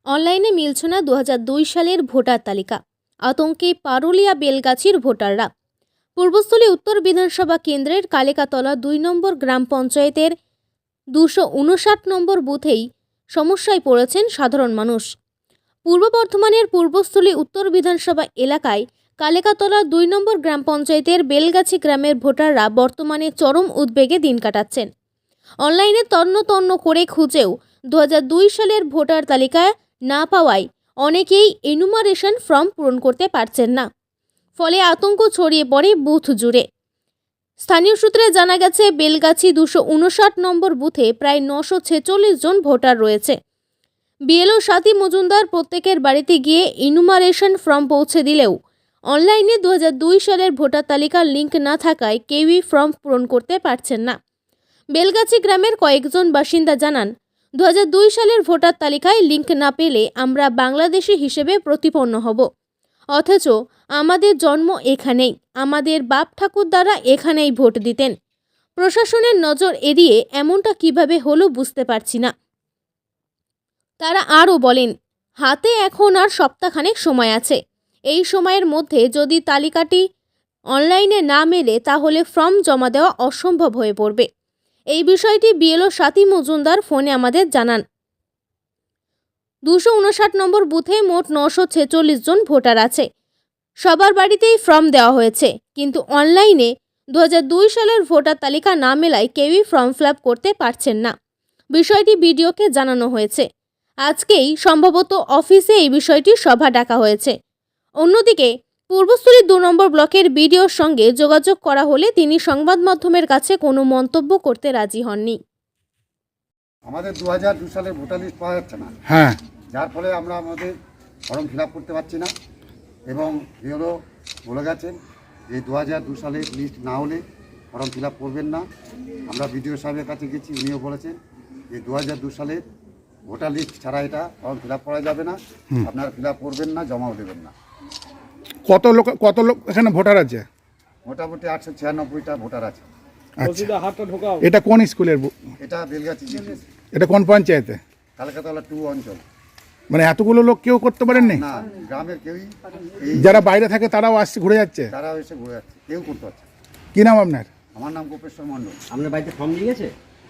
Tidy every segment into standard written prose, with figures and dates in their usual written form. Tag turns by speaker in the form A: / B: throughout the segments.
A: অনলাইনে মিলছে না 2002 সালের ভোটার তালিকা। আতঙ্কে পারুলিয়া বেলগাছির ভোটাররা। পূর্বস্থলী উত্তর বিধানসভা কেন্দ্রের কালিকাতলা 2 নম্বর গ্রাম পঞ্চায়েতের 259 নম্বর বুথেই সমস্যায় পড়েছেন সাধারণ মানুষ। পূর্ব বর্ধমানের পূর্বস্থলী উত্তর বিধানসভা এলাকায় কালিকাতলা 2 নম্বর গ্রাম পঞ্চায়েতের বেলগাছি গ্রামের ভোটাররা বর্তমানে চরম উদ্বেগে দিন কাটাচ্ছেন। অনলাইনে তন্ন করে খুঁজেও 2002 সালের ভোটার তালিকায় না পাওয়ায় অনেকেই এনুমারেশন ফর্ম পূরণ করতে পারছেন না। ফলে আতঙ্ক ছড়িয়ে পড়ে বুথ জুড়ে। স্থানীয় সূত্রে জানা গেছে, বেলগাছি 259 নম্বর বুথে প্রায় 946 জন ভোটার রয়েছে। বিএলও স্বাতী মজুমদার প্রত্যেকের বাড়িতে গিয়ে এনুমারেশন ফর্ম পৌঁছে দিলেও অনলাইনে 2002 সালের ভোটার তালিকার লিঙ্ক না থাকায় কেউই ফর্ম পূরণ করতে পারছেন না। বেলগাছি গ্রামের কয়েকজন বাসিন্দা জানান, 2002 সালের ভোটার তালিকায় লিঙ্ক না পেলে আমরা বাংলাদেশি হিসেবে প্রতিপন্ন হব। অথচ আমাদের জন্ম এখানেই, আমাদের বাপ ঠাকুরদারা এখানেই ভোট দিতেন। প্রশাসনের নজর এড়িয়ে এমনটা কিভাবে হলো বুঝতে পারছি না। তারা আরও বলেন, হাতে এখন আর সপ্তাহখানেক সময় আছে। এই সময়ের মধ্যে যদি তালিকাটি অনলাইনে না মেলে তাহলে ফর্ম জমা দেওয়া অসম্ভব হয়ে পড়বে। এই বিষয়টি বিএলও স্বাতী মজুমদার ফোনে আমাদের জানান। 259 নম্বর বুথে মোট 946 জন ভোটার আছে। সবার বাড়িতেই ফর্ম দেওয়া হয়েছে, কিন্তু অনলাইনে 2002 সালের ভোটার তালিকা না মেলায় কেউই ফর্ম ফিল আপ করতে পারছেন না। বিষয়টি বিডিওকে জানানো হয়েছে। আজকেই সম্ভবত অফিসে এই বিষয়টি সভা ডাকা হয়েছে। অন্যদিকে পূর্বস্থলী 2 নম্বর ব্লকের বিডিওর সঙ্গে যোগাযোগ করা হলে তিনি সংবাদ মাধ্যমের কাছে কোনো মন্তব্য করতে রাজি হননি।
B: আমাদের 2002 সালের ভোটার লিস্ট পাওয়া যাচ্ছে না, যার ফলে আমরা আমাদের ফর্ম ফিল আপ করতে পারছি না। এবং বিএলও বলে গেছেন যে 2002 সালের লিস্ট না হলে ফর্ম ফিল আপ করবেন না। আমরা বিডিও সাহেবের কাছে গেছি, উনিও বলেছেন যে 2002 সালের ভোটার লিস্ট ছাড়া এটা ফর্ম ফিল আপ করা যাবে না, আপনারা ফিল আপ করবেন না, জমাও দেবেন না।
C: কত লোক এখানে ভোটার আছে?
B: মোটামুটি 896টা ভোটার আছে।
C: আচ্ছা, এটা কোন স্কুলের?
B: এটা বেলগাছি,
C: এটা কোন পঞ্চায়েতে?
B: কালিকাতলা 2 অঞ্চল।
C: মানে এতগুলো লোক কেউ করতে পারেননি?
B: না, গ্রামের কেউই,
C: যারা বাইরে থাকে তারাও আসছে, ঘুরে যাচ্ছে?
B: তারাও এসে ঘুরে যাচ্ছে, কেউ করতে পারছে।
C: কি নাম আপনার?
B: আমার নাম গোপেশ্বর মণ্ডল।
D: আপনার বাড়িতে ফর্ম দিয়ে গেছে?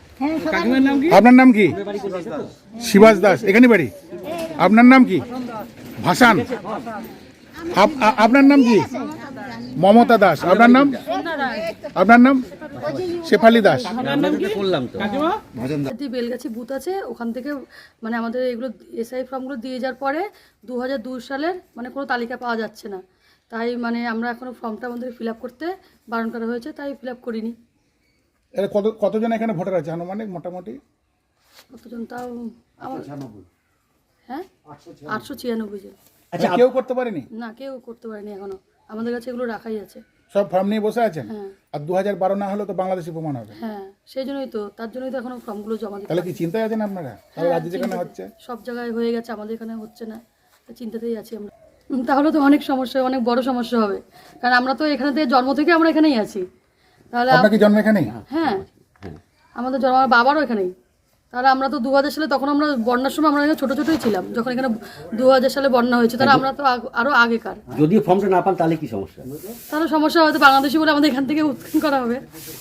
C: আপনার নাম কি? শিবাস দাস। এখানে বাড়ি? আপনার নাম কি? ভাসান। আপনার নাম কি? মমতা দাস। আপনার নাম? আপনার নাম? শেফালি দাস।
D: করলাম তো
E: বেলগাছি বুথ আছে, ওখান থেকে মানে আমাদের এগুলো এসআই ফর্মগুলো দিয়ে যাওয়ার পরে 2002 সালের মানে কোনো তালিকা পাওয়া যাচ্ছে না। তাই মানে আমরা এখনো ফর্মটা আমাদের ফিল আপ করতে বারণ করা হয়েছে, তাই ফিল আপ করিনি।
C: এটা কতজন এখানে ভোটার আছে আনুমানিক মোটামুটি?
E: কতজন তাও আমার, হ্যাঁ 896 জন।
C: আচ্ছা, কেউ করতে পারেনি?
E: না, কেউ করতে পারেনি এখনো, আমাদের কাছে এগুলো রাখাই আছে।
C: সব ফর্ম নিয়ে বসে আছেন?
E: হ্যাঁ।
C: আর 2012 না হলে তো বাংলাদেশি প্রমাণ হবে।
E: হ্যাঁ, সেই জন্যই তো, তার জন্যই তো এখনো ফর্মগুলো জমা দিতে।
C: তাহলে কি চিন্তায় আছেন আপনারা? তাহলে রাজ্যে যেখানে হচ্ছে
E: সব জায়গায় হয়ে গেছে, আমাদের এখানে হচ্ছে না, চিন্তাতেই আছি আমরা। তাহলে তো অনেক সমস্যা, অনেক বড় সমস্যা হবে, কারণ আমরা তো এখানে থেকে জন্ম থেকে আমরা এখানেই আছি। তাহলে
C: আপনার কি জন্ম এখানেই?
E: হ্যাঁ, আমাদের জন্ম, আমার বাবারও এখানেই। তাহলে আমরা তো 2000 সালে, তখন আমরা বন্যার সময় আমরা এখানে ছোটোই ছিলাম, যখন এখানে 2000 সালে বন্যা হয়েছে, তাহলে আমরা তো আরও আগেকার।
D: যদি ফর্মটা না পান তাহলে কি সমস্যা?
E: তাহলে সমস্যা হয়তো বাংলাদেশি বলে আমাদের এখান থেকে উৎখান করা হবে।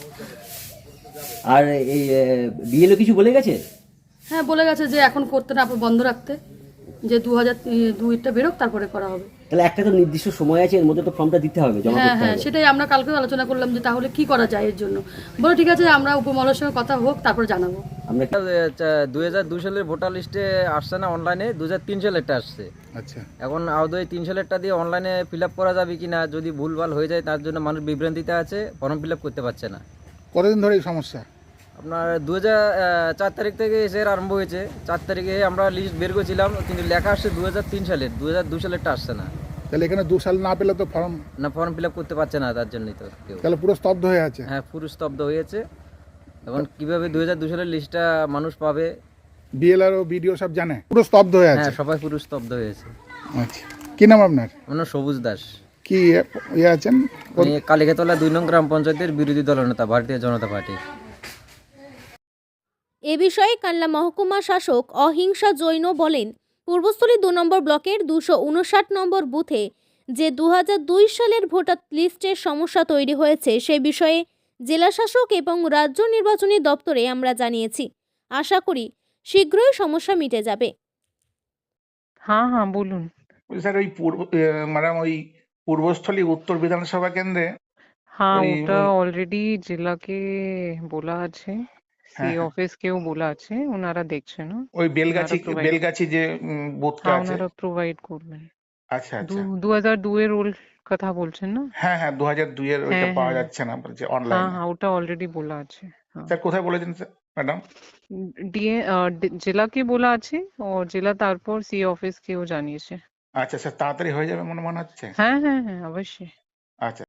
D: আর এই বিএলও কিছু বলে গেছে?
E: হ্যাঁ, বলে গেছে যে এখন করতে না, বন্ধ রাখতে, যে 2002টা বেরোক তারপরে করা হবে।
D: তাহলে একটা তো নির্দিষ্ট সময় আছে, এর মধ্যে তো ফর্মটা দিতে হবে, জমা করতে
E: হ্যাঁ,
D: হবে।
E: সেটাই আমরা কালকে আলোচনা করলাম যে তাহলে কি করা যায় এর জন্য। বলো ঠিক আছে, আমরা উপমহলের সঙ্গে কথা হোক, তারপর জানাবো।
D: আমরা
F: 2002 সালের ভোটার লিস্টে আসছে না, অনলাইনে 2003 সালেরটা আসছে।
C: আচ্ছা,
F: এখন আদৌ 3 সালেরটা দিয়ে অনলাইনে ফিল আপ করা যাবে কিনা, যদি ভুলভাল হয়ে যায় তার জন্য মানুষ বিভ্রান্তিতে আছে, ফর্ম ফিল আপ করতে পারছে না।
C: কতদিন ধরে এই সমস্যা?
F: আপনার 2004 তারিখ থেকে এসে আরম্ভ হয়েছে। 4 তারিখে আমরা লিস্ট বের করেছিলাম, কিন্তু লেখা আসছে 2003 সালের, 2002 সালেরটা আসছে না।
C: তাহলে এখানে 2 সাল না পেলে তো ফর্ম
F: ফিল আপ করতে পারছে না, তার জন্যই তো কেউ।
C: তাহলে পুরো স্তব্ধ হয়ে আছে।
F: হ্যাঁ, পুরো স্তব্ধ হয়েছে। এখন কিভাবে 2002 সালের লিস্টটা মানুষ পাবে?
C: বিএলআর ও বিডিও সব জানে, পুরো স্তব্ধ হয়ে আছে।
F: হ্যাঁ, সবাই পুরো স্তব্ধ হয়েছে।
C: আচ্ছা, কি নাম আপনার?
F: আমার নাম সবুজ দাস।
C: কি আছেন?
F: আমি কালিকাতলা 2 নং গ্রাম পঞ্চায়েতের বিরোধী দলনেতা, ভারতীয় জনতা পার্টি।
A: এ বিষয়ে কাল্লা মহকুমা শাসক অহিংসা জৈন বলেন, পূর্বস্থলী 2 নম্বর ব্লকের 259 নম্বর বুথে যে 2002 সালের ভোটার লিস্টের সমস্যা তৈরি হয়েছে সে বিষয়ে জেলাশাসক এবং রাজ্য নির্বাচনী দপ্তরে আমরা জানিয়েছি। আশা করি শীঘ্রই সমস্যা মিটে যাবে।
G: हाँ हाँ बोलून।
C: স্যার ওই ম্যাডাম ওই পূর্বস্থলী উত্তর বিধানসভা কেন্দ্রে
G: हाँ
C: ওই
G: ওটা অলরেডি জেলাকে বলা আছে, সি
C: হ্যাঁ, হ্যাঁ।
G: অফিস কেও বলা আছে, ওনারা দেখছে না,
C: ওই বেলগাছি
G: ওনারা provide-
C: বেলগাছি যে বুথটা
G: হ্যাঁ
C: আছে।
G: ওনারা প্রোভাইড করবেন।
C: আচ্ছা আচ্ছা
G: 2002 এর রোল কথা বলছেন না?
C: হ্যাঁ হ্যাঁ 2002 এর ওইটা
G: হ্যাঁ,
C: পাওয়া
G: হ্যাঁ।
C: যাচ্ছে না বলছে
G: হ্যাঁ
C: অনলাইনে।
G: হ্যাঁ ওটা অলরেডি বলা আছে। হ্যাঁ
C: স্যার কোথায় বলেছেন স্যার ম্যাডাম?
G: ডিএ জেলাকে বলা আছে ও জেলা তারপর সি অফিস কেও জানিয়েছে।
C: আচ্ছা স্যার তাড়াতাড়ি হয়ে যাবে মনে হচ্ছে।
G: হ্যাঁ হ্যাঁ হ্যাঁ অবশ্যই।
C: আচ্ছা।